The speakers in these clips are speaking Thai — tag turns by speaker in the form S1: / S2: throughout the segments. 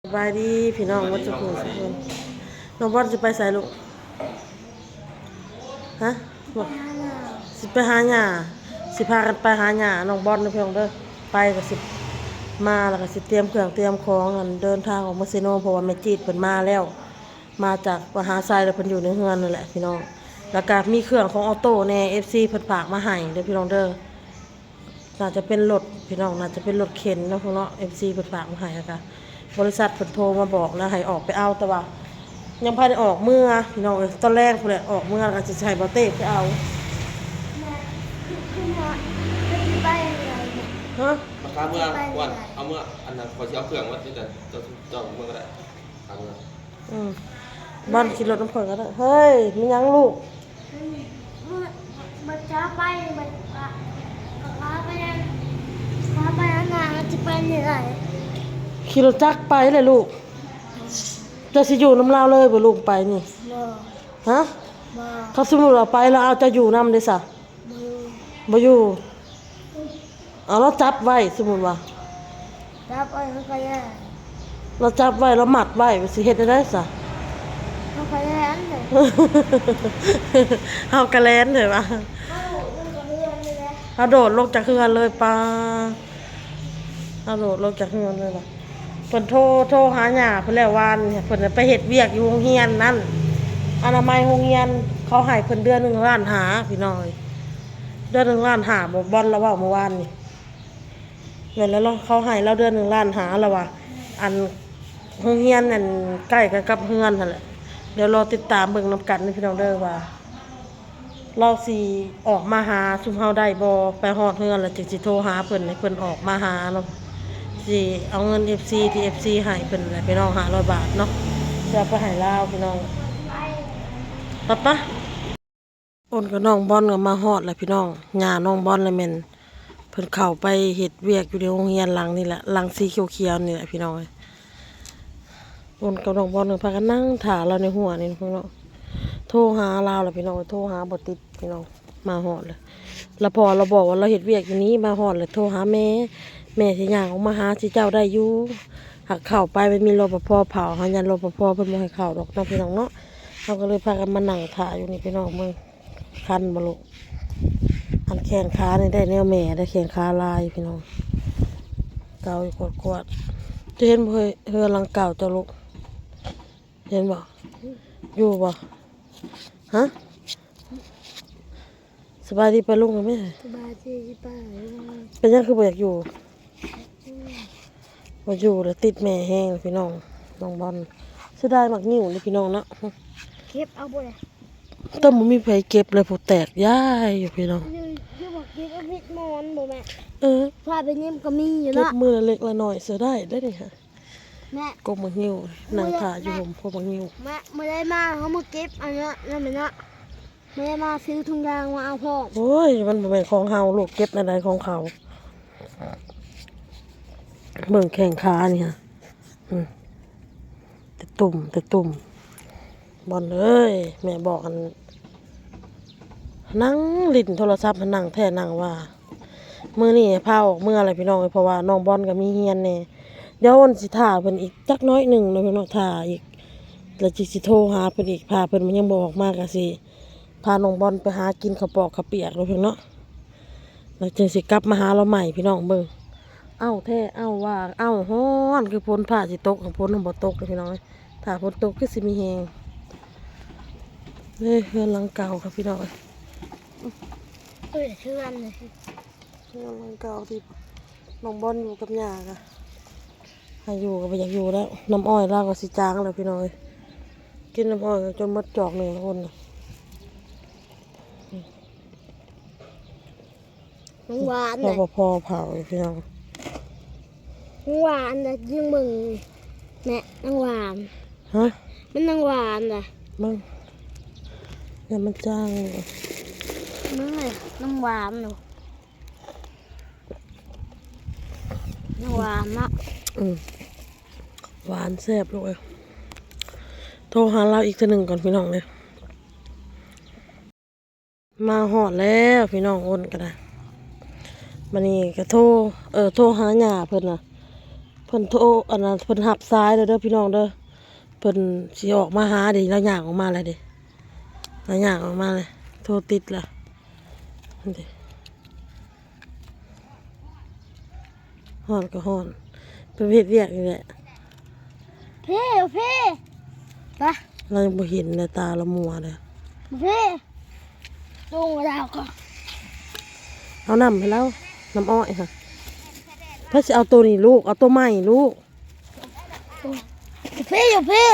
S1: สบายดีพี่น้องวัดสุขุมสุขคนน้องบอลจะไปใส่ลูกฮะบอกสิไปหาหญ้าสิพากันไปหาหญ้าน้องบอลนะพี่น้องเด้อไปก็สิมาแล้วก็สิเตรียมเครื่องเตรียมของกันเดินทางออกมาเซโนเพราะว่าแม่จีดเพิ่นมาแล้วมาจากมหาไซแล้วเพิ่นอยู่ในเฮือนนั่นแหละพี่น้องแล้วก็มีเครื่องของออโต้แน่ FC เพิ่นฝากมาให้เด้อพี่น้องเด้อน่าจะเป็นรถพี่น้องน่าจะเป็นรถเข็นเนาะพวกเนาะ FC เพิ่นฝากมาให้แล้วก็บริษัทเพิ่นโทรมาบอกแล้วให้ออกไปเอาแต่ว่ายังพาได้ออกเมื่อพี่น้องตอนแรกพุ่นแหละออกเมื่อแล้วก็จะใช้บ่เต้ไปเอาฮะ
S2: ราคาเมื่อวันเอาเมื่ออันนั้นขอที่เอาเครื่องวัดที่จะเมื่อก็ได้ทางเมื่อ
S1: บ้านขี่รถน้ำเพิ่นก็ได้เฮ้ยมีหยังลูก
S3: มันจะไปมันพาไปนั่นพาไปนั่นน่ะมันจะไปเหนื่อย
S1: ขี่รถจักรไปเลยลูกจะสิอยู่น้ำลาวเลยบ่ลูกไปนี่
S3: บ่
S1: ฮะ
S3: บ่
S1: เขาสมมุติว่าไปแล้วเอาจะอยู่นำได้ซะ
S3: บ่
S1: บ่อยู่เอาเราจับไว้สมมุติว่า
S3: จะไปมันก็แย่
S1: เราจับไว้เรามัดไว้สิเฮ็ดได้ซะ
S3: มันก็แย่อันเลย
S1: เฮากะแลนเด้อว่า
S3: มันก็เลื่อนเลยแหละ
S1: เอาโดดลงจากเฮือนเลยป้าเอาโดดลงจากเฮือนเลยว่ะเพิ่นโทรหาหญ้าเพิ่นแล้ววานเนี่ยเพิ่นไปเฮ็ดเวียกอยู่โรงเรียนนั่นอนามัยโรงเรียนเขาให้เพิ่นเดือน1 ล้านหาพี่น้อยเดือน1 ล้านหาบ่บ่อนแล้วเว้าเมื่อวานนี่เงินแล้วเขาให้เราเดือน1 ล้านหาแล้วว่ะอันโรงเรียนนั่นใกล้กันกับเฮือนนั่นแหละเดี๋ยวรอติดตามเบิ่งนำกันนะพี่น้องเด้อว่าเราสิออกมาหาซุมเฮาได้บ่ไปฮอดเฮือนแล้วจึงสิโทรหาเพิ่นให้เพิ่นออกมาหาเนาะสิเอาเงิน FC ที่ FC ให้เพิ่นแหละพี่น้อง500 บาทเนาะจะเอาไปให้ลาวพี่น้องปะโอนกับน้องบอลก็มาฮอดแล้วพี่น้องย่าน้องบอลเลยแม่นเพิ่นเข้าไปเฮ็ดเวียกอยู่ในโรงเรียนหลังนี่แหละหลังสีเขียวๆนี่แหละพี่น้องโอนกับน้องบอลก็พากันนั่งท่าเราในหัวนี่พี่น้องโทรหาลาวแล้วพี่น้องโทรหาบ่ติดพี่น้องมาฮอดเลยแล้วพอเราบอกว่าเราเฮ็ดเวียกอยู่นี้มาฮอดเลยโทรหาแม่สิย่างออกมาหาสิเจ้าได้อยู่หักเข้าไปมันมีรปภเผาหายันรปภเพิ่นบ่ให้เข้าดอกเนาะพี่น้องเนาะเราก็เลยพากันมานั่งท่าอยู่นี่พี่น้องเบิ่งคันบ่ลูกอันแขนขานี่ได้แนวแม่ได้แขนขาลายพี่น้องเกาอยู่กวดๆจะเห็นบ่เฮือหลังเก่าเจ้าลูกเห็นบ่อยู่บ่ฮะสบายดีปะลุงกันไหม
S3: สบายดีป่ะ
S1: เป็นยังคือบ่อยากอยู่บ่อยู่แล้วติดแม่แห้งพี่น้องน้องบอลเสียดายมักนิ้วเลยพี่น้องเนาะ
S3: เก็บเอาบ่เลย
S1: แต่บ่มีไผเก็บเลยผู้แตกย้ายอยู่พี่น้อง
S3: อยู่บอกเก็บเอาพิษมอนบ่แม่ พาไปเยี่ยมก็มีอยู่
S1: เก็บ
S3: เนาะ
S1: มือละเล็กละน้อยเสียได้นี่ค่ะ
S3: แม่
S1: กบมักนิ้วนั่งถ่าอยู่ผมพวกมักนิ้ว
S3: แม่ไม่ได้มาเขามาเก็บอันเนี้ยนั่นเป็นเนาะไม่ได้มาซื้อถุงยางมาเอาพ่อ
S1: โอ้ยมันบ่แม่นของเฮาลูกเก็บในใดของเขาเบิ่งแข้งขานี่ฮะแต่ตุ่มบอลเอ้ยแม่บอกกันนั่งลิ้นโทรศัพท์นั่งแท้นั่งว่ามื้อนี้พาออกเมื่ออะไรพี่น้องเพราะว่าน้องบอลก็มีเฮียนแน่เดี๋ยววันสิท่าเพิ่นอีกจักน้อยหนึงเนาะพี่น้องท่าอีกแล้วสิโทรหาเพิ่นอีกพาเพิ่นมันยังบ่ออกมาก็สิพาน้องบอลไปหากินข้าวปอกข้าวเปียกเนาะพี่น้องเนาะแล้วจึงสิกลับมาหาเราใหม่พี่น้องเบิ่งเอ้าแท้เอ้าว่าเอ้าฮ้อนคือฝนฟ้าสิตกฝนมันบ่ตกเลยพี่น้องถ้าฝนตกคือสิมีแฮงเฮือนหลังเก่าครับพี่น้อง
S3: เอ้ยเชื่อนเลย
S1: เฮือนหลังเก่าที่น้องบอลอยู่กับย่าค่ะให้อยู่ก็บ่อยากอยู่แล้วน้ำอ้อยลาวก็สิจางแล้วพี่น้องกินน้ำอ้อยจนหมดจอกหนึ่งคนน่ะ
S3: น้องหวาน
S1: ร
S3: เลย
S1: ปภเผาอยู่พี่น้อง
S3: น้องหวานเลยยิงมึงแม่น้องหวาน
S1: ฮะ
S3: มันน้องหวานเลย
S1: มึงเนี่ยมันจ้าง
S3: มึงเลยน้องหวานหนูน้องหวานเนาะ
S1: หวานแซ่บเลยโทรหาเราอีกทีหนึ่งก่อนพี่น้องเลยมาหอดแล้วพี่น้องโอนกันนะมันนี่ก็โทรหาหญ้าเพิ่นน่ะพพิ่นโทรอันนั้นเพิ่นหับซ้ายเด้อพี่น้องเด้อเพิ่นสิออกมาหาดิแล้วย่างออกมาเลยดิแล้วย่างออกมาเลยโทรติดละนั่นดิฮ้อนก็ฮ้อนเป็นเฮ็ดเวียกนี่แหละ
S3: พี่พี่ไป
S1: เรายังบ่เห็นเลยตาเรามัวเลย
S3: พี่ตรงเราก็
S1: เอาน้ำให้แล้วน้ำอ้อยค่ะเพื่อจะเอาตัวนี้ลูกเอาตัวใหม่ลูก
S3: พี่อยู่พี่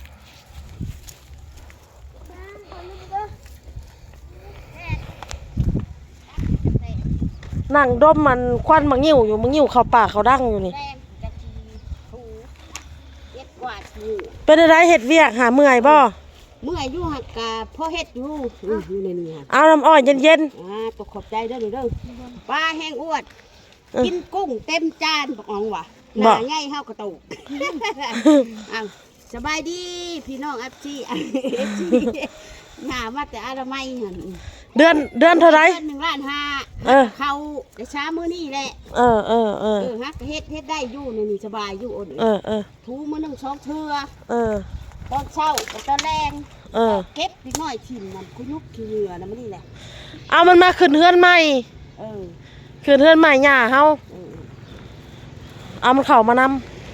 S1: นั่งดมมันควันมังงิ้วอยู่มังงิ้วเข้าปากเขาดังอยู่นี่
S4: แป้งกะทิถูเย็ดกวาดถู
S1: เป็นอะไรเห็ดเวียกหาเมื่อยบ่
S4: เมื่ออายุหักกะพ่อเฮ็ดอยู่อยู่ในนี้ฮะ
S1: เอาน้ำอ้อยเย็น
S4: ตกขอบใจเด้อเด้อปลาแห้งอวด
S1: เออ
S4: กินกุ้งเต็มจานบอกอ๋องว่ะห
S1: บ่
S4: น้าใหญ่เฮากระตุกอ้าวสบายดีพี่น้องอัพจีหามาแต่อนามัยหั่น
S1: ๆเดือนเท่าไร
S4: เดือน1,500,000
S1: เออ
S4: เขาแต่ช้ามื้อนี้แหละ
S1: ฮะ
S4: ฮักเฮ็ดได้อยู่ในนี่สบายอยู่อ่อน ถูมื้อหนึงสองเทื่อ ตอนเช้ากับตอนแรงเก็บนิดหน่อยถิ่มมันคุยุกขี้เหงื่อนะมันนี่แหละ
S1: เอามันมาขึ้นเฮือนใหม่
S4: เออ
S1: ขึ้นเฮือนใหม่หญ้าเฮา
S4: เออ
S1: เอามันเข้ามาน
S4: มัน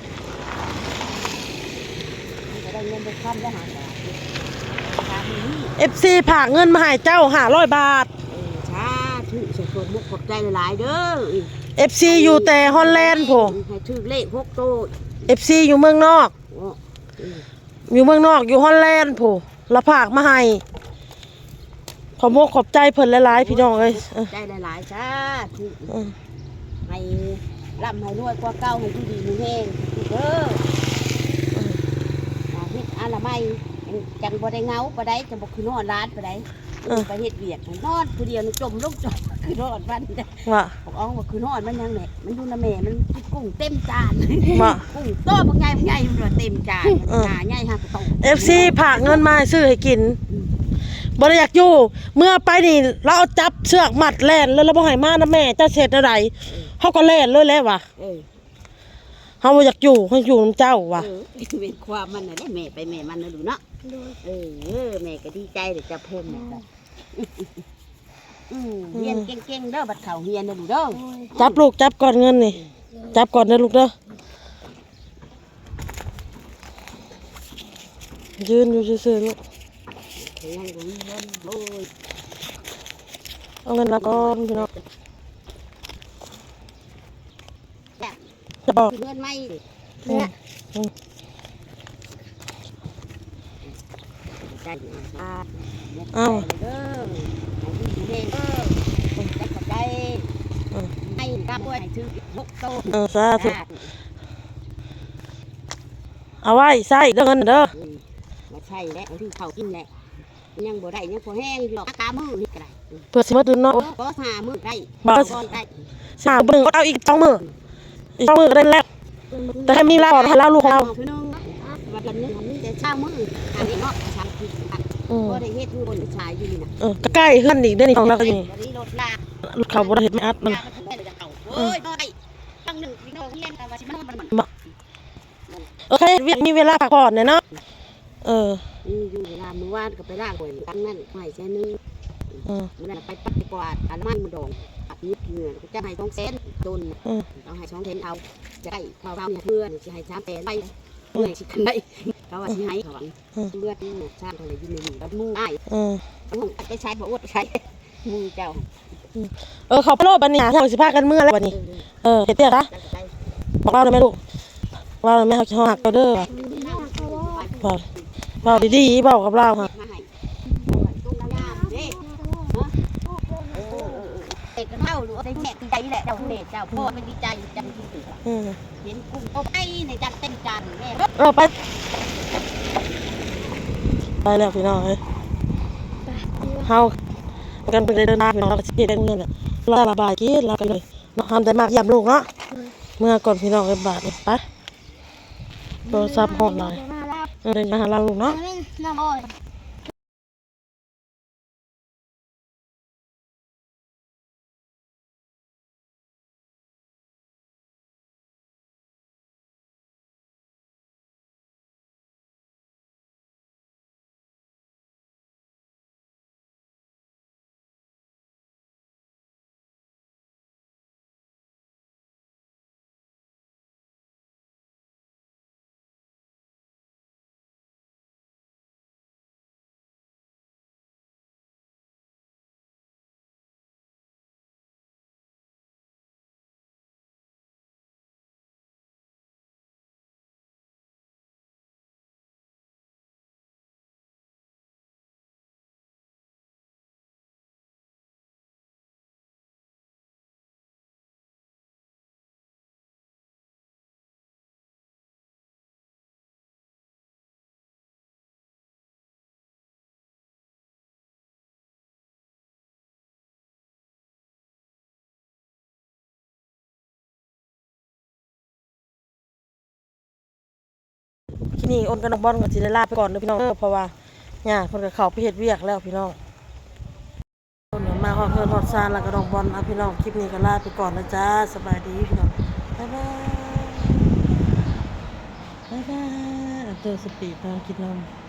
S4: จะได้เงินไปค้ำได้หาบาทชามือนี่
S1: ำ FC ผากเงินมาให้เจ้า500 บาท
S4: ชาถือสดมุกขอบใจหลายๆเด้อ
S1: FC อยู่แต่ฮอลแลนด์โผ
S4: ให้ถือเลข6โต
S1: FC อยู่เมืองนอก อยู่เมืองนอกอยู่ฮอลแลนด์โผละผากมาให้ขอบอกขอบใจเพิ่นหลายๆพี่น้องเอ้ย
S4: ใจหลายๆชาถือ
S1: เออ
S4: ให้ร่ำให้รวยกว่าเก่าให้อยู่ดีมีแห้งเด้อเฮ็ดอนามัยจังบ่ได้เหงาบ่ได้จังบ่คือนอนร้านบ่ได้ไปเฮ็ดเวียกนอนผู้เดียวจมลงจมคือนอนวันได้
S1: ว่า
S4: บอกอ๋อว่าคือนอนมันยังแหละมันอยู่น้ำแม่มันกินกุ้งเต็มจาน
S1: ว่า
S4: กุ้งโตบางใหญ่มันว่าเต็มจานหาใหญ่หักโต
S1: FC ผากเงินมาให้ซื้อให้กินบ่ได้อยากอยู่เมื่อไปนี่เราเอาจับเชือกมัดแล่นแล้วเราบ่ให้มานะแม่เจ้าเสร็จอะไรเฮาก็แล่นเลยแหล้วว่ะ
S4: เออ
S1: เฮาบ่อยากอยู่เฮาอยู่นำเจ้าว่ะ
S4: เป็นความมันน่ะได้แม่ไปแม่มันน่ะดูเนาะเออแม่ก็ดีใจเดี๋ยวจะเพิ่มแม่ก็เรียนเก่งๆเด้อบัดเขาเรียนน่ะดูเด้อ
S1: จับลูกจับก่อนเงินนี่จับก่อนเด้อลูกเด้อยืนอยู่ซื่อๆลูก
S4: ยังบ่มีเงินโอ้ย
S1: เอาเงินมาก่อนพี่น้อง
S4: แบบ
S1: จะบอก
S4: เงินไม่ดิ
S1: เนี่ย
S4: ใจอ่า
S1: เอ้า
S4: เด้อให้ดีแม่เด้อจะขอบใจให้กับด้วยให้ชื่อ6โต
S1: สาธุเอาไว้ใส่เด้อเงินเด้อ
S4: มาใช่แล้วที่เขากินแหละยังบ่ได้ยังพอแห้งหรอกตามือนี่ก็ได้
S1: เพื่อสิมาดื่มเนาะ
S4: ก็หามือได้
S1: บ่
S4: ก่อนได้
S1: สาวเบิ่งเอาอีก2มื้ออีก2มื้อก็ได้แล้วแต่ให้มีลาก่อนให้เราลูกของเรา
S4: คือนึงวันละนึงมันแต่เช้ามืออันนี้เนาะชาคือก็ได้เฮ็ดอยู่บนชายอยู่นี่นะ
S1: ก็ใกล้เฮือนอีกเด้อนี่ของเราก็นี่
S4: วันนี้รถลาก
S1: ลูกเขาบ่ได้เฮ็ดไม่อัดมัน
S4: ลากมันได้จะเอาโอ้ยบ่ได้ตั้งหนึ่งพี่น้องเรียนกันว่าสิมัน
S1: โอเคมีเวลาพักผ่อนเนี่ยเนาะ
S4: อยู่เวลามื้อวานก็ไปลากบ่ตั้งนั่นให้แค่นึง มื้อนั้นไปปัดกวาดอันมันมาดองอัดนิดเหงื่อก็จะให้2แสนโดนเอาให้2แสนเอาจะได้ข้าวเนี่ยเพื่อนสิให้3แสนไปเมื่อยสิกันได้เขาว่าสิให้เขาว่าเลือดชาติอะไรอยู่ในนี้แล้วมูอ้ายไปใช้บ่อวดไปใช้มูเจ้า
S1: เขาไปโลดบัดนี้หาทางสิพากันเมื่อแล้วบัดนี้เฮ็ดเตี้ยคะบอกเราได้ไหมลูกว่าแม่เขาหักเราเด้อบอกดีๆบอกกับเราค่ะ
S4: มาให้ตุ้งงามเด้เด็กกันเท่าหรือได้แม่ดีใจแหละเจ้าเด็กเจ้าพ่อไม่ดีใจจังที่สุดเห็นกุ้งเอาไปในจันเต็มจานแม่
S1: ไปแล้วพี่น้องเอ้ยเฮากันไปเดินทางพี่น้องเราก็สิได้เงินน่ะเราระบายกินเรากันเลยเนาะทำได้มากย่ำลูกเนาะเมื่อก่อนพี่น้องเอ้ยบาทนี่ไปโทรศัพท์ฮอดหลายเดินมาหาเราลูกเนาะ
S3: น้ำอ้อย
S1: ที่นี่อ้นกับน้องบอลก็สิได้ลาไปก่อนเด้อพี่น้องเพราะว่าย่าเพิ่นก็เข้าไปเฮ็ดเวียกแล้วพี่น้องคนเดี๋ยวมาฮอดเฮือนฮอดซานแล้วก็น้องบอลพี่น้องคลิปนี้ก็ลาไปก่อนนะจ้าสบายดีพี่น้องบ๊ายบายบ๊ายบายเอาเจอสปีดน้องกินนม